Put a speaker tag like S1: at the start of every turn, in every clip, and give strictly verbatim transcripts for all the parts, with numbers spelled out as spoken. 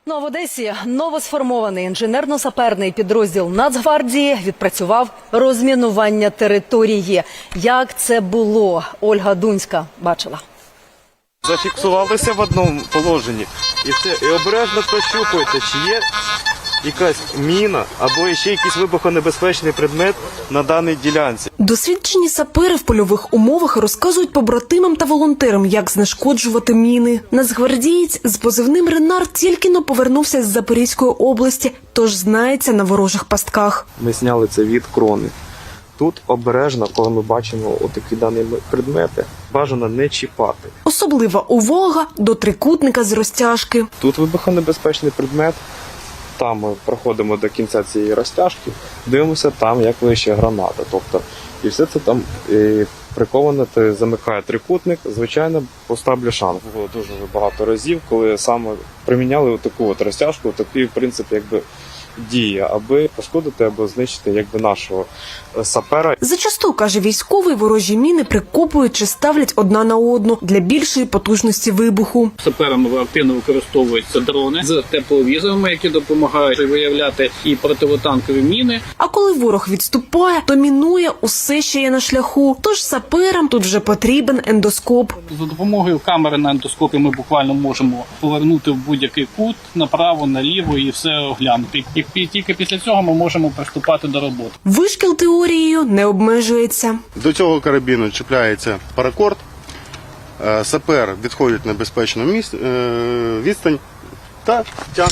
S1: Ну а в Одесі новосформований інженерно-саперний підрозділ Нацгвардії відпрацював розмінування території. Як це було, Ольга Дунська бачила.
S2: Зафіксувалися в одному положенні і все, і обережно прощупуєте, чи є якась міна або ще якийсь вибухонебезпечний предмет на даній ділянці.
S3: Досвідчені сапери в польових умовах розказують побратимам та волонтерам, як знешкоджувати міни. Нацгвардієць з позивним «Ренар» тільки-но повернувся з Запорізької області, тож знається на ворожих пастках.
S2: Ми зняли це від крони. Тут обережно, коли ми бачимо отакі дані предмети, бажано не чіпати.
S3: Особлива увага до трикутника з розтяжки.
S2: Тут вибухонебезпечний предмет. Там ми проходимо до кінця цієї розтяжки, дивимося там, як вище граната. Тобто, і все це там і приковано, ти замикає трикутник, звичайно, пуста бляшанка. Було дуже багато разів, коли саме приміняли таку от розтяжку, такий принцип, якби, діє, аби пошкодити або знищити якби нашого сапера.
S3: Зачасту, каже військовий, ворожі міни прикопують чи ставлять одна на одну для більшої потужності вибуху.
S4: Саперами активно використовуються дрони з тепловізорами, які допомагають виявляти і противотанкові міни.
S3: А коли ворог відступає, то мінує усе, що є на шляху. Тож саперам тут вже потрібен ендоскоп.
S4: За допомогою камери на ендоскопі ми буквально можемо повернути в будь-який кут, направо, наліво і все оглянути. І тільки після цього ми можемо приступати до роботи.
S3: Вишкіл теорією не обмежується.
S5: До цього карабіну чіпляється паракорд, сапер відходить на безпечну місць, відстань та тягне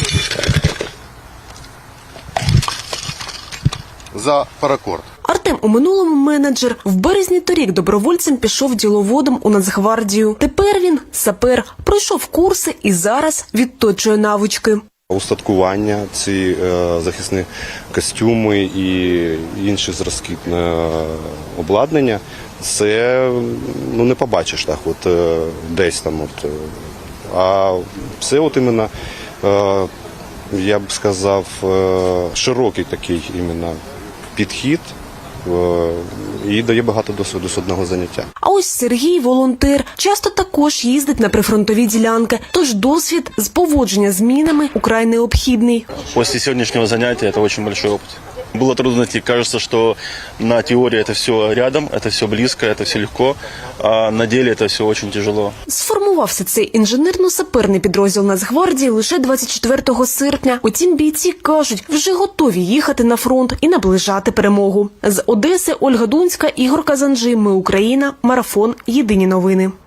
S5: за паракорд.
S3: Артем у минулому менеджер. В березні торік добровольцем пішов діловодом у Нацгвардію. Тепер він сапер, пройшов курси і зараз відточує навички.
S5: Устаткування, ці е, захисні костюми і інші зразки е, обладнання, це ну, не побачиш так, от, е, десь там. От, е, а це от іменно, е, я б сказав, е, широкий такий іменно підхід е, і дає багато досвіду з одного заняття.
S3: А ось Сергій, волонтер, часто також їздить на прифронтові ділянки, тож досвід з поводження з мінами украй необхідний.
S6: После сегодняшнего занятия это очень большой опыт. Было трудно найти. Кажется, что на теории это все рядом, это все близко, это все легко, а на деле это все очень тяжело.
S3: Сформувався цей інженерно-саперний підрозділ Нацгвардії лише двадцять четвертого серпня. Утім, бійці кажуть, вже готові їхати на фронт і наближати перемогу. З Одеси Ольга Дунська, Ігор Казанжи. Ми Україна. Марафон. Єдині новини.